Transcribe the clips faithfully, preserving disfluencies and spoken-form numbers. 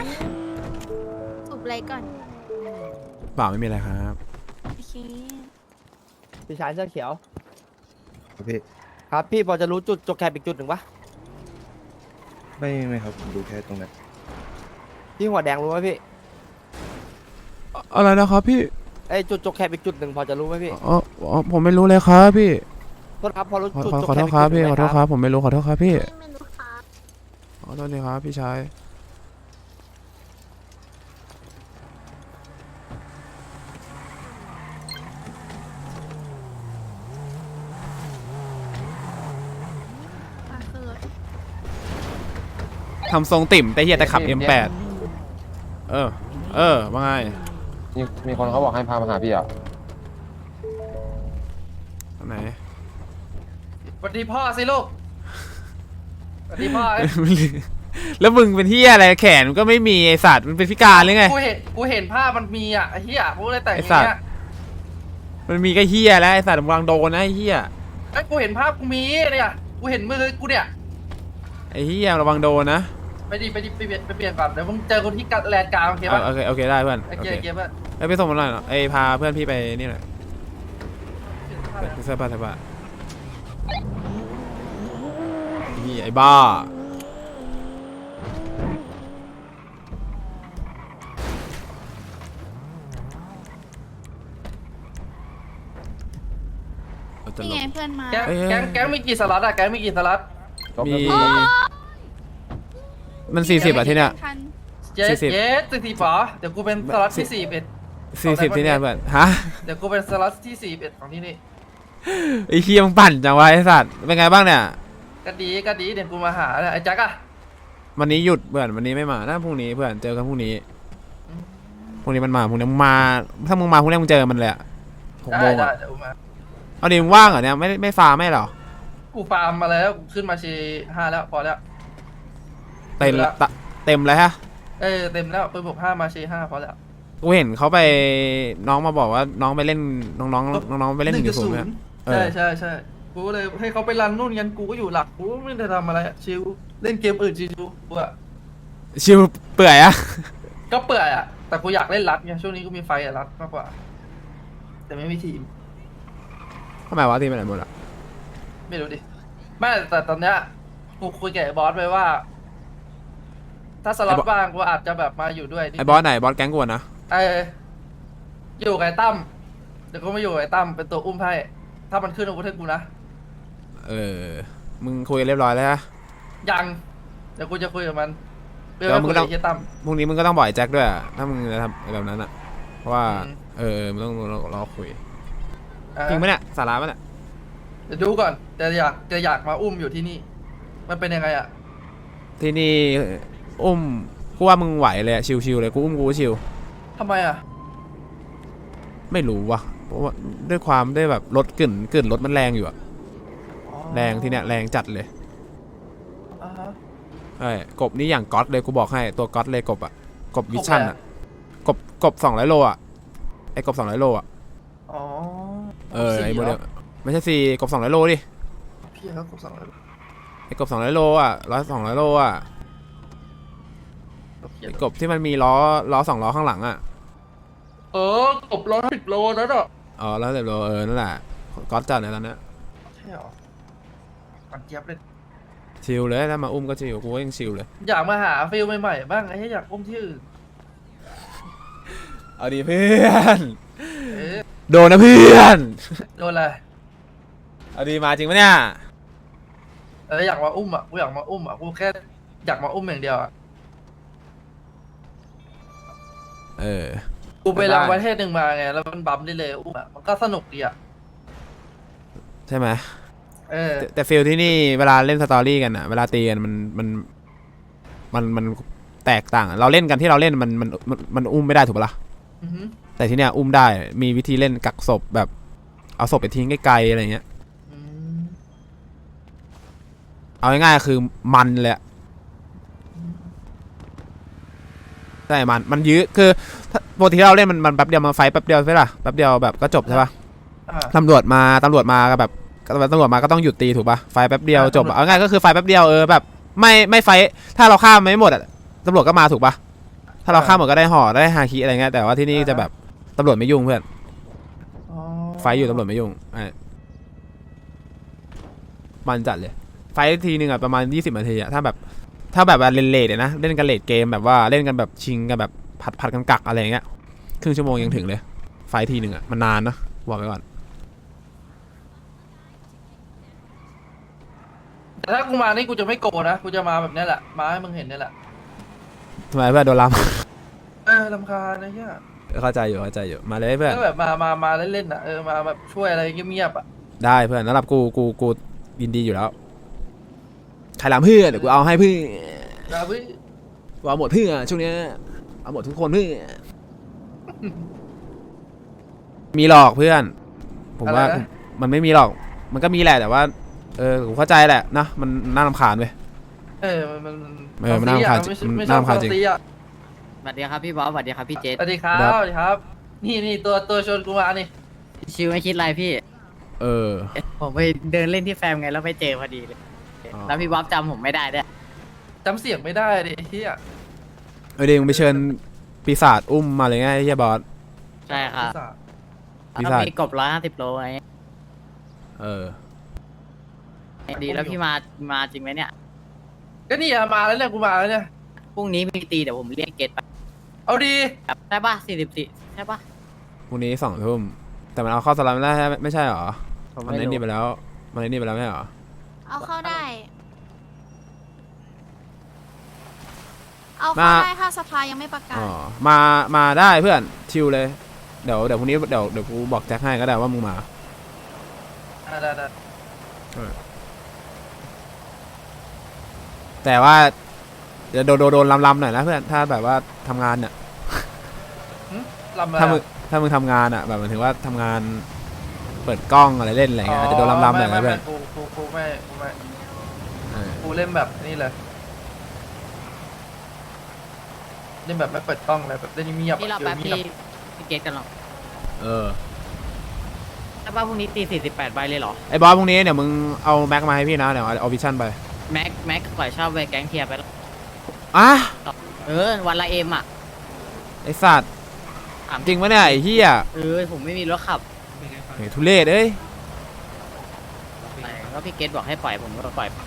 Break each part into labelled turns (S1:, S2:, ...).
S1: สูบอะไรก่อน
S2: เปล่าไม่มีอะไรครับ
S1: โอเค
S3: พี่ชายเสื้อเขียว
S4: พี่
S3: ครับพี่พอจะรู้จุดจกแคบอีกจุดหนึ่งปะ
S4: ไม่ไม่ครับผมดูแค่ตรงนั้น
S3: พี่หัวแดงรู้ไหมพี่
S2: อะไรนะครับพี่
S3: ไอยจุดจกแคบอีกจุดหนึ่งพอจะรู้ไหมพี่
S2: อ๋ออ๋อผมไม่รู้เลยครับพี่
S3: โทษครับพอรู้
S2: ขอ
S3: จุด
S2: ขอ
S3: จก
S2: ขอ
S3: แค
S2: โท
S3: บ
S2: ษ
S3: อีก
S2: ครับ
S3: จุดห
S2: พี่
S3: นึ่ง
S2: ขอโทษครับผมไม่รู้ขอโทษครับพี่
S1: ไม่รู้ค่ะ
S2: ขอโทษทีครับพี่ชาย
S1: มาคือรถ
S2: ทำทรงติ่มแต่เฮียแต่ขับ เอ็ม แปด เออ เออว่าไง
S5: มีมีคนเขาบอกให้พามาหาพี่อ่ะ
S2: ตรงไหน
S6: สวัสดีพ่อสิลูกสวัสดีพ่อ
S2: แล้วมึงเป็นเฮียอะไรแขนก็ไม่มีไอสัตว์มันเป็นพิการหรือไง
S6: กูเห็นกูเห็นภาพมันมีอ่ะไอ้เหี้ยกูเลยแต่งอ
S2: ไอ้
S6: ย่าง
S2: สัตว์
S6: เงี้ย
S2: มันมีก็เฮียแล้วไอสัตว์มึงกำลังโดนนะไอเฮีย
S6: ไอ้ยกูเห็นภาพกูมีเนี่ยกูเห็นมือกูเนี่ย
S2: ไอเฮียระวังโดนนะ
S6: ไปดิไปดิไปเปลี่ยนไปเปลี่ยนก่อนเดี๋ยวมึงเจอคนที่กัดแลนด์กลางโอเค
S2: เอ
S6: ป่ะ
S2: อโอเคโอเคได้เพื่อน
S6: โอ
S2: โอ
S6: เค
S2: เค
S6: โอเคเพื่อน
S2: ไอยไปส่งมันหน่อยเนาะไอพาเพื่อนพี่ไปนี่หน่อยไปเสื้อผ้าเสื้อผ้านี่ไอ้บ้าเราจะ
S1: นี่
S2: ล
S1: ไง
S2: ง
S1: เพื่อนมา
S6: แก๊ง
S2: เอ้ย
S6: แก๊งแก๊งมีกี่สล็อตอ่ะแก๊งมีกี่สล็อต
S2: มีมันสี่สิบอะที่เนี้ย
S1: ทัน
S6: เจ็ด
S2: สี่สิบ
S6: เจ็ดสี่สิบป๋อเดี๋ยวกูเป็นสล็อตที่สี่สิบเอ็ด
S2: สี่สิบที่เนี้ยเพื่อนฮะ
S6: เดี๋ยวกูเป็นสล็อตที่สี่สิบเอ็ดของที่นี่
S2: ไอ้เคียมงปั่นจังวะไอ้สัตว์เป็นไงบ้างเนี่ย
S6: ก็ดีก็ดีเดี๋ยวกูมาหาเนี่ยไอ้แจ็คอะ
S2: วันนี้หยุดเพื่อนวันนี้ไม่มาน่าพรุ่งนี้เพื่อนเจอกันพรุ่งนี้พรุ่งนี้มันมาพรุ่งนี้มึงมาถ้ามึงมาพรุ่งนี้มึงเจอมันเลยอะหก
S6: ได้
S2: โมง
S6: ได้
S2: อะ
S6: เดี๋ยวกูมา
S2: เอาดิมึงว่างเหรอเนี่ยไม่ไม่ฟาร์มไม่เหรอ
S6: กูฟาร์มมาแล้วกูขึ้นมาชีห้าแล้วพอแล้ว
S2: เต็มละตะเต็มเลยฮะ
S6: เออเต็มแล้วปืนบวกห้ามาชีห้าพอแล้ว
S2: กูเห็นเขาไปน้องมาบอกว่าน้องไปเล่นน้องน้องน้องน้องไปเล่นหนึ่งจุดศูนย์เนี่ยเอ
S6: ใช่
S2: อ
S6: ใช่ใช่กูก็เลยให้เขาไปรันนู่นกันกูก็อยู่หลักกูไม่ได้ทำอะไรอะชิวเล่นเกมอื่นชิวกูอะ
S2: ชิวเปื่อยอะ
S6: ก็เปื่อยอะแต่กูอยากเล่นรัดไงช่วงนี้กูมีไฟอะรัดมากกว่า แต่ไม่มีทีม
S2: ทำไมวะทีมไปไหนหมดอะ
S6: ไม่รู้ดิไม่แต่ตอนเนี้ยกูคุยกับไอ้บอสไปว่า ถ้าสล็อตว่างกูอาจจะแบบมาอยู่ด้วย
S2: ไอ้บอสไหนบอสแก๊งกวนนะ
S6: เอออยู่กับไอ้ตั้มเดี๋ยวกูมาอยู่กับไอ้ตั้มเป็นตัวอุ้มให้ถ้ามันขึ้นอาวุธให้กูนะ
S2: เออมึงคุยกันเรียบร้อยแล้วฮะ
S6: ยังเดี๋ยวกูจะคุยกับมันเพื่
S2: เดี๋ยว
S6: อ
S2: มึง
S6: คุย
S2: ต้
S6: กั
S2: อบ ง
S6: ไอ้เฮียตั้ม
S2: พรุ่งนี้มึงก็ต้องบอกไอ้แจ็คด้วยอะถ้ามึงจะทำแบบนั้นอะเพราะว่า
S6: อืม
S2: เออมึงต้องรอรอคุย
S6: อ่า
S2: จริงปะเนี่ยสาระปะเนี่ย
S6: เดี๋ยวดูก่อนแต่อยากจะอยากมาอุ้มอยู่ที่นี่ มันเป็นยังไงอะ
S2: ที่นี่อุ้มกูว่ามึงไหวเลยอะชิวๆเลยกูอุ้มกูก็ชิว
S6: ทำไมอะ
S2: ไม่รู้ว่ะเพราะว่าด้วยความด้วยแบบรถกลิ่นกลิ่นรถมันแรงอยู่อะ
S6: อ๋อ
S2: แรงที่เนี้ยแรงจัดเลย
S6: อ่าฮะ
S2: ไอ้กบนี่อย่างก๊อตเลยกูบอกให้ตัวก๊อตเลยกบอะกบวิชั่น
S6: กบอะไร
S2: อะ
S6: อะ
S2: กบกบสองร้อยโลอะไอ้กบสองร้อยโลอะ
S6: อ๋อ
S2: เออ
S6: สี่
S2: ไอ้โม
S6: หร
S2: เดลไม่ใช่สี่กบสองร้อยโลดิ
S6: พี่เขากดสั่งเลย
S2: ไอ้กบสองร้อยโลอะร้อยสองร้อยโลอะไอ้กบที่มันมีล้อล้อสองล้อข้างหลังอะ
S6: เออกบร้อยสิบโลแล้วเนาะ
S2: อ๋อแล้วแต่โลเออนั่นแหละก๊อตจัดเลยตอนเนี้ย
S6: ใช่หรอปันเจี๊ยบเลย
S2: ชิลเลยถ้ามาอุ้มก็ชิลกูก็ยังชิลเลย
S6: อยากมาหาฟิลใหม่ๆบ้างไอ้เหี้ยอยากอุ้มที่อื่น
S2: เอาดีเพื่อน
S6: เออ
S2: โดนนะเพื่อน
S6: โดนอะไร
S2: เอาดีมาจริงปะเนี่ย
S6: เอออยากมาอุ้มอ่ะกูอยากมาอุ้มอ่ะกูแค่อยากมาอุ้มอย่างเดียวอ่ะ
S2: เออ
S6: กูไปรังประเทศหนึ่งมาไงแล้วมันบัมได้เลยอุ้มอ่ะมันก็สนุกดีอ่ะ
S2: ใช่ไหม
S6: เออ
S2: แต่แต่ฟิลที่นี่เวลาเล่นสตอรี่กันอะเวลาตีกันมันมันมันมันแตกต่างเราเล่นกันที่เราเล่นมันมันมันมันอุ้มไม่ได้ถูกปะล่ะ
S6: อือหือ
S2: แต่ที่เนี้ยอุ้มได้มีวิธีเล่นกักศพแบบเอาศพไปทิ้งไกลๆอะไรเงี้ย
S6: อืม
S2: เอาง่ายๆคือมันเลยอะใช่มันมันยื้อคือปกติที่เราเล่นมันมันแป๊บเดียวมาไฟแป๊บเดียวใช่ปะแป๊บเดียวแบบก็จบใช่ปะ
S6: อ่า
S2: ตำรวจมาตำรวจมาก็แบบตำรวจมาก็ต้องหยุดตีถูกปะไฟแป๊บเดียวจบอะเอาง่ายก็คือไฟแป๊บเดียวเออแบบไม่ไม่ไฟถ้าเราฆ่าไม่หมดอะตำรวจก็มาถูกปะถ้าเราข้ามหมดก็ได้ห่อได้ฮาคิอะไรเงี้ยแต่ว่าที่นี่จะแบบตำรวจไม่ยุ่งเพื่อน
S6: อ๋อ
S2: ไฟอยู่ตำรวจไม่ยุ่งไอ้มันจัดเลยไฟทีนึงอะประมาณยี่สิบนาทีอะถ้าแบบถ้าแบบว่าเล่นเลทนะเล่นกันเลทเกมแบบว่าเล่นกันแบบชิงกันแบบผัดผัดกันกักอะไรเงี้ยครึ่งชั่วโมงยังถึงเลยไฟทีนึงอะมันนานนะบอกไปก่อน
S6: แต่ถ้ากูมานี่กูจะไม่โกรธนะกูจะมาแบบนี้แหละมาให้มึงเห็นนี่แหละ
S2: ทำไมเพื่อนโดนล้
S6: เออลำคาญนะเฮีย
S2: ำ เข้าใจอยู่เข้าใจอยู่มาเลยเพื่อน
S6: ก็แบบมามามาเล่นๆอ่ะเออมาแบบช่วยอะไรเงียบๆอ่ะ
S2: ได้เพื่อนสำหรับกูกูกูยินดีอยู่แล้วใครล้ำเพื่อนเดี๋ยวกูเอาให้เพื่อน
S6: นะเว้ย
S2: กูเอาหมดเพื่อนช่วงเนี้ยเอาหมดทุกคนเพื่อนมีหลอกเพื่อน ผมว่ามันไม่มีหรอกมันก็มีแหละแต่ว่าเออผมเข้าใจแหละนะมันน่ารำคาญเว้ย
S6: เออมันมัน
S2: เออมันน่ารำคาญ
S6: ไม่
S2: จริง
S6: ไม่
S2: มันน่ารำคาญจริง
S6: ชอบตีอ่ะ
S7: สวัสดีครับพี่บอสสวัสดีครับพี่เจษ
S6: สวัสดีครับ
S2: ครับ
S6: สวัสดีครับ นี่นี่ตัวตัวชวนกูมานี่
S7: ชิวไม่คิดอะไรพี่
S2: เออ
S7: ผมไปเดินเล่นที่แฟมไงแล้วไปเจอพอดีเลย
S2: อ๋อ
S7: แล้วพี่บอสจำผมไม่ได้ด้วย
S6: จำเสียงไม่ได้ดิเฮีย
S2: เออเดี๋ยวมึงไปเชิญปีศาจอุ้มมาเลยไงไอ้เฮียบอส
S7: ใช่ครับ
S2: ปี
S7: แล้ว
S2: ศาจ
S7: มีกบร้อยห้าสิบโลไง
S2: เออ
S7: ดีแล้วพี่มามาจริงไหมเนี่ย
S6: ก็นี่อะมาแล้วเนี่ยกูมาแล้วเนี่ย
S7: พรุ่งนี้มีตีเดี๋ยวผมเรียกเกตไป
S6: เอาดี
S7: ใช่ป่ะสี่สิบสี่ใช่ป่ะ
S2: พรุ่งนี้สองทุ่มแต่มันเอาเข้าสลับไม่ได้ไม่ใช่หรอ
S7: ผม
S2: มัน
S7: ไม่
S2: ไอ้
S7: รู้
S2: นี่ไปแล้วมันไอ้นี่ไปแล้วไม่ใช่หรอ
S1: เอาเข้าได้ เอาเข้าได้ถ้าสภายังไม่ประกาศ
S2: อ๋อมามาได้เพื่อนชิลเลยเดี๋ยวเดี๋ยวพรุ่งนี้เดี๋ยวเดี๋ยวกูบอกแจ็คให้ก็ได้ว่ามึงมา
S6: อ่ะได้ได้
S2: แต่ว่าเดี๋ยวโดนโดนโดนลำๆหน่อยนะเพื่อนถ้าแบบว่าทำงานเนี่ย
S6: ลำอะไร
S2: ถ้ามึง
S6: อะ
S2: ถ้ามึงทำงานอ่ะแบบหมายถึงว่าทำงานเปิดกล้องอะไรเล่นอะไรเงี้ยอาจจะโดนลำๆหน่อย
S6: ไม่
S2: นะ
S6: ไม่
S2: เพื่
S6: ไม่
S2: อน
S6: กูกูกูไม่กูไม่
S2: เออ
S6: กูเล่นแบบนี่เลยเล่นแบบไม่เปิดกล้องเลยแบบเล่นเงียบๆ
S7: พี่เรา
S6: อะ
S7: แป๊บ
S6: เงี
S7: พี่
S6: ยบ
S7: พี่เกตกันหรอ
S2: เออ
S7: ใช่ป่ะพรุ่งนี้ตีสี่สิบแปดใบเลยเหรอ
S2: ไอ้บอสพรุ่งนี้เดี๋ยวมึงเอาแม็กมาให้พี่นะเดี๋ยวเอาวิชั่นไป
S7: แม็กแม็กปล่อยเช่าไปแก๊งเทียร์ไปแล้ว
S2: อ่ะ
S7: เออวันละเอ็มอ่ะ
S2: ไอ้สัตว์
S7: ถาม
S2: จริงปะเนี่ยไอ้เหี้ย
S7: เออผมไม่มีรถขับ
S2: เฮ้ยทุเรศเอ้ย
S7: ก็พี่เกตบอกให้ปล่อยผมก็ปล่อย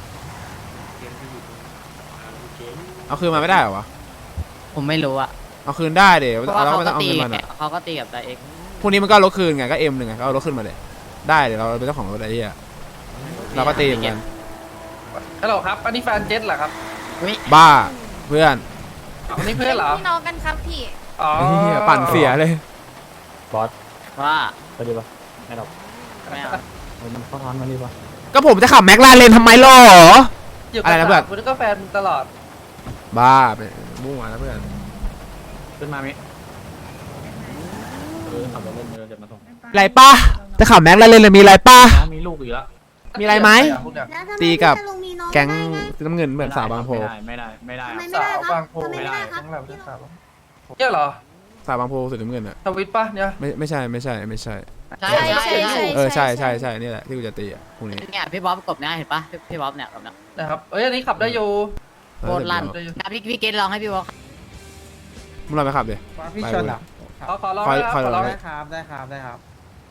S2: เอาคืนมาไม่ได้เหรอวะ
S7: ผมไม่รู้อะ
S2: เอาคืนได้เดี๋ยว
S7: เพราะว่า
S2: เรา
S7: เขา
S2: ไม่
S7: ก็
S2: ต้องเอา
S7: ตี
S2: เงินมัน
S7: แก
S2: อ่ะ
S7: เขาก็ตีกับตาเอก
S2: พรุ่งนี้มันก็เอารถคืนไงก็เอ็มหนึ่งไงก็เอารถขึ้นมาเลยได้เดี๋ยวเราเป็นเจ้าของรถไอ้เหี้ยเราก็ตีเหมือนกัน
S6: ๆฮัลโหลครับ อันนี้แฟนเจ็ตเหรอครับ
S7: อุ๊ย
S2: บ้าเพื่อน
S6: อันนี้เพื่อนเหรอ
S1: พี่น้องกันครับพี่
S6: อ๋อ
S2: ไอ้เหี้ยปั่นเสียเลย
S7: ว่า
S8: ไปดีป่ะไม่หรอก
S7: ไม่เอา
S8: มันเข้าทอนมาดีป่ะ
S2: ก็ผมจะขับแม็กลาเรนทำไมหรอ
S6: อยู่
S2: อะไร
S6: กับ
S2: นะเพื่อน
S6: สาวคุณก็แฟนมึงตลอด
S2: บ้าไปมั่วนะเพื่อน
S8: ขึ้นมามิเออขับรถเล่นเดี๋ยวมาส่ง
S2: ไรป้าจะขับแม็กลาเรนเลยมีอะไรป้า
S8: น้องมีลูกอีกแล้ว
S2: มีอะไรไหม
S6: พวกเนี่ย
S2: ตีกับ
S9: แล้วทำไมพี่จะลงมีน้อง
S2: แก๊ง
S9: ได้ไ
S2: น้ำเงินเหมือนสาวบางโพ
S8: ไม่ได้ไม่ได้
S9: ทำไม
S8: ไม่
S9: ไม่
S8: ได้
S9: ได้
S6: สาว
S9: ครับ
S6: บางโพ
S9: ทำไมไม่ได้ครับ
S6: ทั้งแบบสาวบางโพเนี่ยเหรอ
S2: สาวบางโพสุดน้ำเงินอ่ะ
S6: ทวิตปะเนี่ย
S2: ไม่ไม่ใช่ไม่ใช่ไม่ใช่
S7: ใช่
S1: ใช่
S7: ใช่
S1: ใช่
S7: ใช่
S2: เออใช่ใช่ใช่นี่แหละที่กูจะตีอ่ะพรุ่งนี้
S7: เนี่ยพี่บ๊อบกบเนี่ยเห็นปะพี่พี่บ๊อบเนี่ยกบเนี่ย
S6: นะครับ เอ้ยอันนี้ขับได้อยู่
S7: โคตรลั่น
S6: ได้อยู่
S7: นะพี่พี่เกตลองให้พี่บ๊อบ
S2: มึงลองไปขับดิ
S3: พี่
S2: ไป
S3: เชิญ
S2: เลย
S3: อ่ะ
S6: ขอขอร้อง
S2: คอย
S6: นะ
S2: คอย
S6: ขอร้อง
S2: ลอง
S3: ได้ครับได้ครับได้ครับ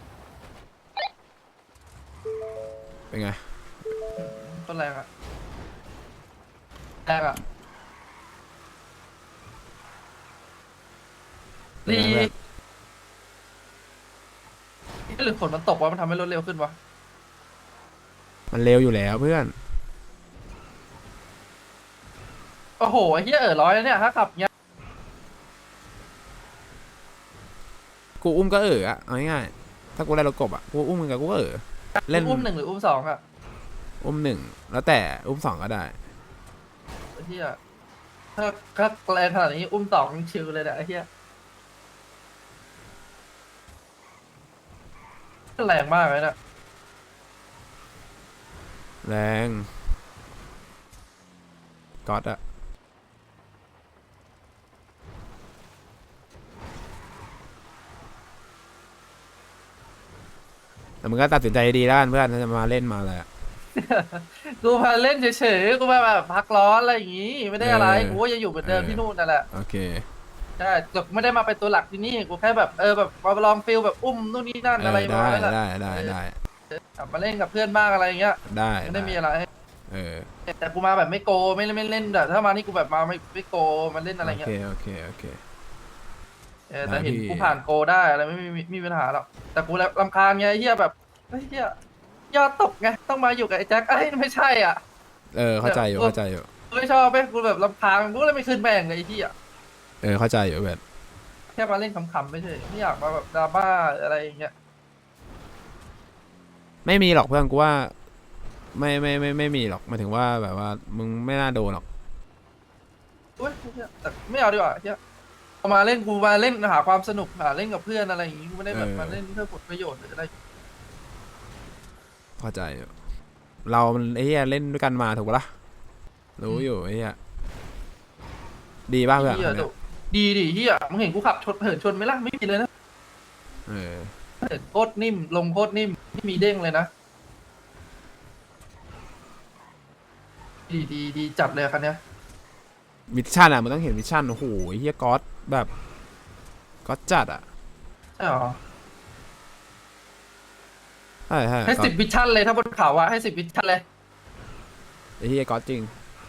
S2: เป็นไง
S6: ต้นแรงอะแรงอะ
S2: เป็น
S6: นี่
S2: ไงเพื่อน
S6: หรือฝนมันตกวะมันทำให้รถเร็วขึ้นวะ
S2: มันเร็วอยู่แล้วเพื่อน
S6: โอ้โหไอ้เหี้ยเออร้อยแล้วเนี่ยถ้าขับเงี้ย
S2: กูอุ้มก็เอออะเอาง่ายๆถ้ากูได้รถกบอะกูอุ้มมึงกับกูก็เออเล่น
S6: อุ้มหนึ่งหรืออุ้มสองอะ
S2: อุ้มหนึ่งแล้วแต่อุ้มสองก็ได้
S6: ไอ้เหี้ยถ้าถ้าแรงขนาดนี้อุ้มสองชิวเลยเนี่ยไอ้เหี้ยแรงมากเลยนะ
S2: แรงก๊อตอะแต่มึงก็ตัดสินใจดีแล้วกันเพื่อนถ้าจะมาเล่นมาอะไรอะ
S6: กูมาเล่นเฉยๆกูมาแบบพักร้อนอะไรอย่างงี้ ไม่ได้อะไร
S2: เออ
S6: กูก็ยังอยู่เหมือนเดิม
S2: เออ
S6: ที่นู่นนั่นแหละ
S2: โอเค
S6: ใช่แต่ไม่ได้มาเป็นตัวหลักที่นี่กูแค่แบบเออแบบมาลองฟิลแบบอุ้มนู่นนี่นั่น
S2: เอ
S6: อะไร
S2: อ
S6: ประ
S2: ได้
S6: มาณนั้นแหละ
S2: ได้ได้ได้
S6: กลับมาเล่นกับเพื่อนบ้างอะไรอย่างเงี้ย
S2: ได้
S6: ไม่ได้มีอะไร
S2: เออ
S6: แต่กูมาแบบไม่โกไม่ไม่เล่นแบบถ้ามานี่กูแบบมาไม่ไม่โกมาเล่นอะไร
S2: โอ
S6: เงี้
S2: เค
S6: ย
S2: โอเคโอเค
S6: เออแต่เห็น
S2: ได้พี่
S6: กูผ่านโกได้อะไรไม่ไม่ไม่ไม่มีปัญหาหรอกแต่กูรำคาญไงไอ้เฮียแบบไอ้เฮียยอดตกไงต้องมาอยู่กับไอ้แจ็คไอ้ยไม่ใช่อ่ะ
S2: เออเข้าใจอยู่เข้าใจอยู่
S6: กูไม่ชอบไปกูแบบรำคาญกูเลยไม่ขึ้นแม่งเลยไอ้เฮีย
S2: เออเข้าใจอยู่เว้ย
S6: แค่มาเล่นขำๆไม่ใช่ไม่อยากมาแบบดราม่าอะไรอย่างเงี้ย
S2: ไม่มีหรอกเพื่อนกูว่า ไม่ไม่ไม่ไม่มีหรอกหมายถึงว่าแบบว่ามึงไม่น่าโดนหรอก
S6: อุ้ยเหี้ยแต่ไม่เอาดีกว่าเฮียเอามาเล่นกูมาเล่นหาความสนุกหาเล่นกับเพื่อนอะไรอย่างงี้กูไม่ได้แบบมาเล่นเพื่อผลประโยชน์หรืออะไร
S2: เข้าใจอยู่เรามันไอ้เหี้ยเล่นด้วยกันมาถูกปะล่ะรู้อยู่ไอ้เหี้ยดีป่ะเพื่อน
S6: เฮียดีดิเฮียมึงเห็นกูขับชนเหินชนไหมล่ะไม่มีเลยนะ
S2: เออ
S6: เหินโคตรนิ่มลงโคตรนิ่มไม่มีเด้งเลยนะดีดีดีจัดเลยคันเนี้ย
S2: มิชชั่นอ่ะมันต้องเห็นมิชชั่นโอ้โหไอ้เหี้ยก๊อตแบบก๊อตจัดอ่ะ
S6: ใช่หรอ
S2: ใช่ใช่
S6: ให้
S2: ก๊อ
S6: สิ
S2: ต
S6: บวิชั่นเลยถ้าบนเขาอะให้สิบวิชั่นเลย
S2: ไอ้เหี้ยก๊อตจริง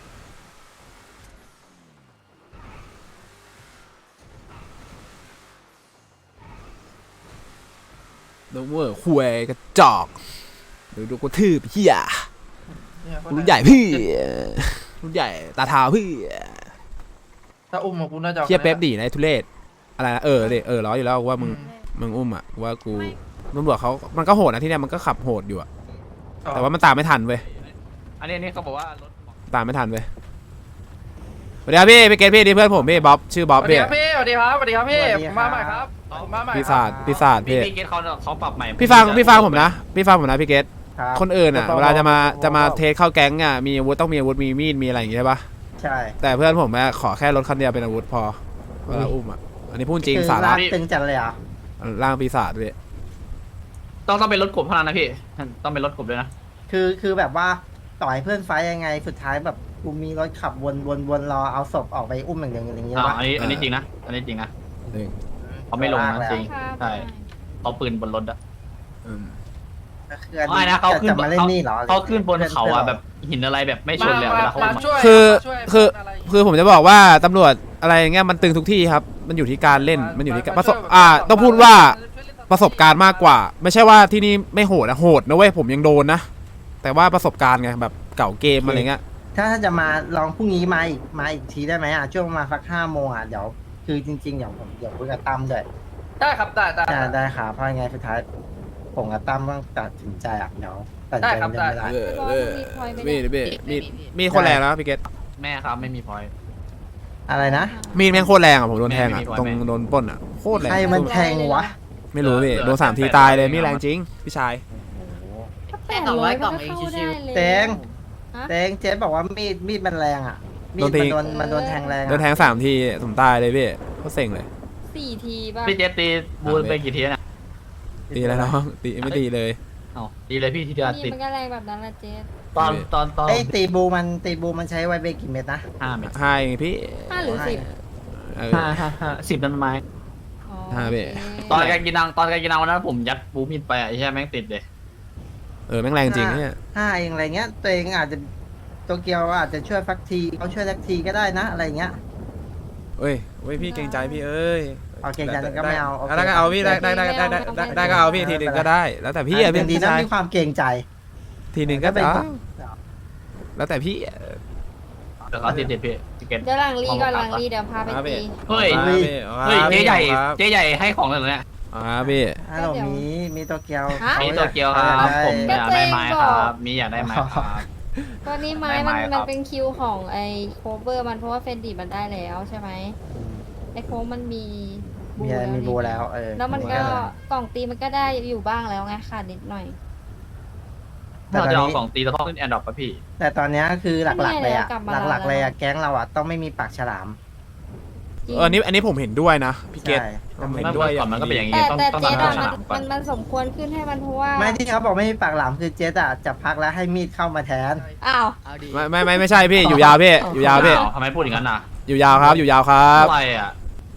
S2: ดูเวอร์คุยกระจอกดูดูกูทืบเหี้ย
S6: เนี่ย
S2: กูรุ่นใหญ่พี่รุ่นใหญ่ตาเท้าพี่
S6: ถ้าอุ้มมากูน่าจะอา
S2: เหี้ยเป๊ป
S6: คะแนน
S2: ดีนะไอ้ทุเรศอะไรนะเออเดเออร้อยอยู่แล้วว่ามึง
S6: อืม
S2: มึงอุ้มอ่ะว่ากูตำรวจเขามันก็โหดนะที่เนี่ยมันก็ขับโหดอยู่อะแต่ว่ามันตามไม่ทันเว้ย
S8: อันนี้อันนี้เขาบอกว่ารถ
S2: ตามไม่ทันเว้ยสวัสดีครับพี่พี่เกตพี่นี่เพื่อนผมพี่บ๊อบชื่อบ๊อบ
S6: สวัสดี
S2: พี่
S6: ครับพี่สวัสดีครับสวัสดีครับพี่
S3: สวัสดี
S6: ผม
S3: ครับ
S6: มาใหม่ครับผมมาใหม่
S2: ปี
S6: ค
S2: ศา
S6: รั
S2: จ
S6: บ
S2: ปีศาจ
S8: พี่
S2: พี่
S8: พี่เกตเขาเขาปรับใหม่
S2: พี่ฟังพี่ฟังผมนะพี่ฟังผมนะพี่เกต
S3: ครับ
S2: คนอื่นอ่ะ
S3: จะต้อง
S2: เวลาจะมา
S3: บอก
S2: จะมา
S3: บอก
S2: เทสเข้าแก๊งอ่ะมีอาวุธต้องมีอาวุธมีมีดมีอะไรอย่างงี้ใช่ปะ
S3: ใช่
S2: แต่เพื่อนผมอะขอแค่รถคันเดียวเป็นอาวุธพอเวลาอุ้มอ่ะอันนี้พูดจริง
S3: คือ
S2: สาระ
S3: ลกตึงจัดเลยเหรอ่ะ
S2: ร่างปีศาจพี่
S8: ต้องต้องเป็นรถกบเท่านั้นนะพี่ต้องเป็นรถกบด้วยนะ
S9: คือคือแบบว่าต่อยเพื่อนไฟท์ยังไงสุดท้ายแบบกูมีรถขับวนวนวนรอเอาศพออกไปอุ้มอย่างเดียวอย่างเงี้ย
S8: อ่า
S9: ว่า
S8: อันนี้อันนี้จริงนะอันนี้จริงนะ
S2: หนึ่ง
S8: เขาไม่ลงนะจริง
S1: ครับ
S8: ใช่เขาปืนบนรถอะ
S2: อืม
S9: คืออัน
S8: ไม่
S9: นี้
S8: นะเขาขึ้น
S9: จะมาเล่นนี่เหรอ
S8: เขาขึ้นบนเขาอะแบบหินอะไรแบบไม่ชนเลยอะเวลาเขา
S6: มา
S8: อุ้มอะ
S6: ช่วย
S2: คือ
S6: มาช่วย
S2: คือ
S6: อะไรย่างเงี้ย
S2: คือผมจะบอกว่าตำรวจอะไรอย่างเงี้ยมันตึงทุกที่ครับ มันอยู่ที่การเล่นมันอยู่ที่การประสบ
S6: ช่วย
S2: อ่า
S6: แบบ
S2: ต้องพูดว่าประสบการณ์มากกว่า ไม่ใช่ว่าที่นี่ไม่โหดนะโหดนะเว้ยผมยังโดนนะ แต่ว่าประสบการณ์ไงแบบเก่าเกมอะไรเงี้ย
S9: ถ้าถ้าจะมาลองพรุ่งนี้มาอีกมาอีกทีได้ไหมอ่ะช่วงประมาณสักห้าโมงอ่ะเดี๋ยวคือจริงๆเดี๋ยวผมเดี๋ยวคุยกับตั้มด้วย
S6: ได้ครับได้ได้
S9: ได้ได้ค่ะเพราะยังไงสุดท้ายผมกับตั้มต้องตัดสินใจอ่ะเดี๋ยวตัดสิน
S6: ได้
S9: ใจ
S6: ครับ
S9: เรื่อง
S6: ได้
S9: ไม่ได้
S2: เออเออ
S1: มี
S2: มีด
S1: พลอยไหม
S2: มี
S1: เนี่
S2: ด
S1: ย
S2: มีดมีดโคตรแรงแล้วพี่เกต
S8: แม่ครับไม่มีพอย
S9: อะไรนะ
S2: มีดแม่งโคตรแรงอ่ะผมโดนแทงอ่ะ
S8: ไม่มีพอย
S2: ตรง
S8: ไหม
S2: โดนปล้นอ่ะโคตรแรง
S9: ใครมันแทงวะ
S2: ไม่รู้พี่
S8: เหลือ
S2: โดนสามที
S8: แปด
S2: ตายเลย
S8: แปด
S2: มีแรงจริงพี่ชาย
S7: แค่สองร้อยกล่องเองชิว
S9: แตง
S1: ฮะ
S9: แตงเจ๊บอกว่ามีดมีดมันแรงอ่ะมีด
S2: โดนตี
S9: มันโดนมันโดนแทงแรง
S2: โดนแท
S9: อ่ะ
S2: งสามทีผมตายเลยพี่โคตรเซ็งเลย
S1: สี่ทีป่ะ
S8: พี่เจสตีบูนไปกี่ทีแล้วนะ
S2: ตีแล้วน้องตีไม่ตีเลย
S8: เอ้าดีเลยพี่ที่เดียว
S1: นี่
S8: ติด
S1: มันก็แรงแบบนั้นแหละเจ๊
S8: ตอนตอนตอน
S9: ไอ้ยตีบูมันตีบูมันใช้ไวเบรกกี่เม็ดนะ
S8: ห้าเมตร
S2: ให้พี่
S1: ห้าหรือสิบ
S2: เออ
S8: ห้าห้าห้าสิบนั่นไม้
S1: อ๋อ
S2: ห้าเว้ย
S1: โอเค
S8: ตอนการกินนังตอนการกินนังวันนั้นผมยัดบูมิดไปอ่ะไอ้แค่แม่งติดเลย
S2: เออแม่งแรงจริงเนี่ย
S9: ห้าเองอะไรเงี้ยตัวเองอาจจะโตเกียวอาจจะช่วยฟักทีเขาช่วยสักทีก็ได้นะอะไรเงี้ย
S2: เอ้ยเว้ยพี่เกรงใจพี่เอ้ย
S9: เอาเกรงใจก็ไม่เอาโอเค
S2: ได้ก็เอาพี่ได้ได้ได้ได้ได้ได้ได้ก็เอาพี่ทีหนึ่งก็ได้ แล้วแต่พี่อะ
S9: เป็
S2: พี่
S9: นดี
S2: พี่
S9: นะ
S2: ชาย
S9: มีความเกรงใจ
S2: ทีหนึ่งก็
S9: เป็น
S2: เอาแล้วแต่พี่
S8: เดี๋ยวเขาติดติดพี่พี่เกต
S1: เดี๋ยวหลังรีก่อนหลังรีเดี๋ยวพาไป
S2: ครับพี่
S1: ตี
S8: เฮ้ย
S2: อาพี่อา
S8: เฮ้ย
S2: พี่
S8: เจ๊ใหญ่
S2: ครับ
S8: เจ๊ใหญ่ให้ของเลยเหรอเนี่ย
S2: อ่าพี่
S9: ฮัลโหลมีมีโตเกียว
S1: ฮะ
S8: มีโตเกียวครับผมอยากได้ไม้ครับ มีอยากได้ไม้ครับ
S1: ก็นี่ไม้
S8: ได้
S1: มัน
S8: ไม้ครับ
S1: มันเป็นคิวของไอ้โคเวอร์มันเพราะว่าเฟนดีมันได้แล้วใช่ไหมไอ้โค้งมันมี
S9: มีอะไรมีบูแล้วเออ
S1: แล้วมันก็กล่องตีมันก็ได้อยู่บ้างแล้วไงขาดนิดหน่อย
S9: แต่
S8: เรา
S9: ตอน
S8: จะเอา
S9: นี้
S8: ของตีเราต้องเล่นแอนดรอปป่ะพี่
S9: แต่ตอนนี้คือหลักๆเลยอ่ะ
S1: ไม่มีอะไรกลับมา
S9: หลักๆเลยอ่ะ
S1: แล้ว
S9: แก๊งเราอ่ะต้องไม่มีปากฉลาม
S1: จริง
S2: เอออันนี้อันนี้ผมเห็นด้วยนะพี่เกต
S9: ใช่
S2: ผมเห็น
S8: เมื่
S2: ด้วย
S8: อก่อนมันก็เป็นอย่างนี้
S1: แต่
S8: ต้อง
S1: แต่
S8: ต้อง
S1: เจ๊
S8: ทำ
S1: อะ
S8: ฉ
S1: มัน
S8: ลามก่อ
S1: มัน นมันสมควรขึ้นให้มันเพราะว่า
S9: ไม่ที่เขาบอกไม่มีปากหลามคือเจ๊อะจะพักแล้วให้มีดเข้ามาแทน
S1: อ้าว
S7: เอาดี
S2: ไม่ไม่ไม่ไม่ใช่พี่อยู่ยาวพี่อยู่ยาวพี่
S8: ทำไมพูดอย่างนั้นน่ะ
S2: อยู่ยาวครับอยู่ยาวครับ
S8: อะไรอ่ะ
S2: อ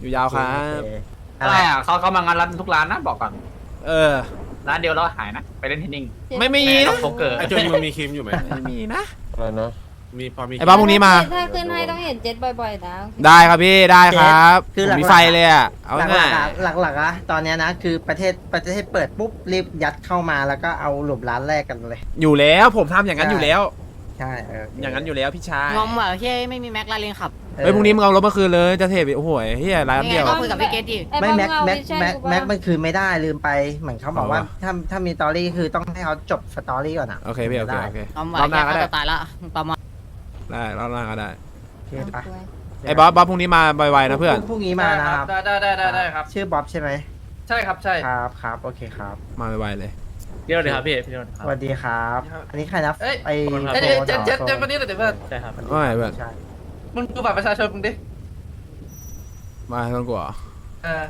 S2: อยู่ยาวครับ
S9: โอเค
S8: อะไรอ่ะเขาเขามางานร้านทุกร้านนะบอกก่อน
S2: เออ
S8: ร้านเดียวแล้วหายนะ ไปเล่นเทนนิง
S2: ไม่มี
S8: ต้
S2: นะ
S8: องโป๊กเกอร์
S10: ไอจุนมันมีครีมอยู่ไหม
S2: ไม่มีนะ
S5: อะไรนะ
S10: มีพอมี
S2: ไอ้บ้าพรุ่งนี้มา
S1: ถ้าขึ้นให้ต้องเห็นเจ็ดบ่อยๆนะ
S2: ได้ครับพี่ได้ครับ
S9: คือ
S2: ผม
S9: หลักๆ
S2: มีไฟเลยอ่ะเอา
S9: หลัก
S2: ง่าย
S9: ๆอะหลักๆอะตอนเนี้ยนะคือประเทศประเทศเปิดปุ๊บรีบยัดเข้ามาแล้วก็เอาหลุมร้านแรกกันเลย
S2: อยู่แล้วผมทำอย่างนั้นอยู่แล้ว
S9: ใช่เออ
S2: อ
S9: อย่าง
S2: นั้นอยู่แล้วพี่ชาย
S7: งอมว่ะเฮ้ยไม่มีแม็กลาเรนขับ
S2: เฮ้ยพรุ่งนี้มึงเอารถมาคืนเลยจะเทปโอ้โหเฮียร้านเดียว
S7: ก็คุยกับพี่เกตดิ
S1: อ้
S9: ไม่
S1: บอ
S9: แม็ก
S1: เอา
S9: แม็ก
S1: วิชั่น
S9: แม็ก
S1: กูปะ
S9: แม็กมันคือไม่ได้ลืมไปเหมือนเขาบอกว่า
S2: เอาวะ
S9: ถ้าถ้ามีสตอรี่คือต้องให้เขาจบสตอรี่ก่อนอ่ะ
S2: โอเคพี่โอเค
S9: ได้
S2: โอเค
S7: งอม
S2: ร
S7: ว่ะ
S2: อบหน้าก็
S7: แค่
S2: ได้
S7: จะตายละประมาณ
S2: ได้รอบหน้าก็ได้
S9: โอเคปะ
S2: ไอ้บ๊อบบ๊อบพรุ่งนี้มาไวๆนะเพื่อน
S9: พรุ่งนี้มานะครับ
S6: ได้ได้ได้ได้ได้ครับ
S9: ชื่อบ๊อบใช่ไหม
S6: ใช่ครับใช่
S9: ครับครับโอเคครับ
S2: มาไวๆเลย
S8: พี่โดนเลยครับพี่พี่โดนค
S9: ส
S8: รับ
S9: วัสดีครับ อันนี้ใครนะ
S6: เอ้ย
S9: ไอ
S6: เอ้ย
S9: โฟ
S6: เอ้ย
S9: น
S6: เจ็ดเจ็ด
S9: หรอ
S6: เจ็ดวันนี้เลยเดี๋ยวเพื่อน
S8: ใช่ครับ
S2: ว่าไงเพื่อน
S9: ใช่
S6: มึงดูบัตรประชาชนมึงดิ
S2: มาต้องกลัว
S6: เออ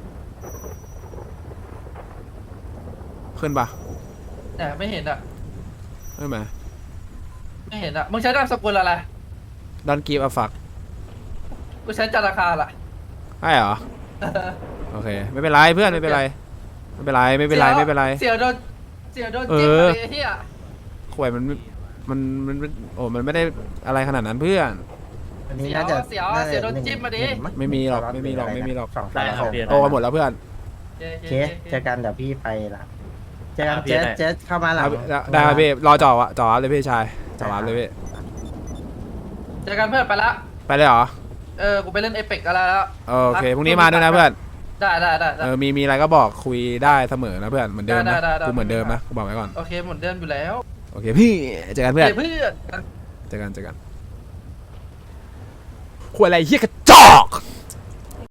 S2: ขึ้นปะ
S6: เนี่ยไม่เห็นอ่ะ
S2: ขึ้นไหม
S6: ไม่เห็นอ่ะมึงใช้นามสกุลอะไร
S2: ดอนกีฟอะฟัก
S6: กูใช้จาราคาล่ะ
S2: ใช่เหรอโอเคไม่เป็นไรเพื่อนไม่เป็นไรไม่เป็นไรไม่เป็นไรไม่เป็นไร
S6: เสียโดนเสียโดนจิ้ม
S2: เออ
S6: อะไรเฮีย
S2: ข่วยมันมันมันมันโอ้มันไม่ได้อะไรขนาดนั้นเพื่อน
S9: อันนี้น่าจะ
S6: เสียว
S9: น่า
S6: เสี
S9: จะ
S6: ยวโดนจิ้มมาดิ
S9: หนึ่งง
S2: ไม่มีหรอกไม่มีหรอกไม่มีหรอก
S9: สอง
S8: ได้
S9: สาม
S8: ครับ
S9: หก
S8: พี่
S2: โตกันหมดแล้วเพื่อน
S6: โอ
S9: โอ
S6: เค
S9: เคเจอกันเดี๋ยวพี่ไปละเจอกัน
S8: อ่ะพี่
S9: เจ๊
S8: ได้
S9: เจ๊เข้ามาหลัง
S2: ได้ได้ครับพี่รอจ่อวะจ่อเลยพี่ชายจ่อวะเลยพี่
S6: เจอกันเพื่อนไปละ
S2: ไปเลยเหรอ
S6: เออกูไปเล่นเอเปกอะไรแล้ว
S2: โอเคพรุ่งนี้มาด้วยนะเพื่อน
S6: ได้ได้ได้ได้
S2: เออมีมีอะไรก็บอกคุยได้เสมอนะเพื่อนเหมือนเดิม
S6: ได้
S2: นะ
S6: ได้ได้
S2: กูเหมือนเดิมนะกูบอกไว้ก่อน
S6: โอเคเหมือนเดิมอยู่แล้ว
S2: โอเคพี่เจอกันเพื่อน
S6: เพื่อน
S2: เจอกันเจอกันคุยอะไรเฮียกระจอก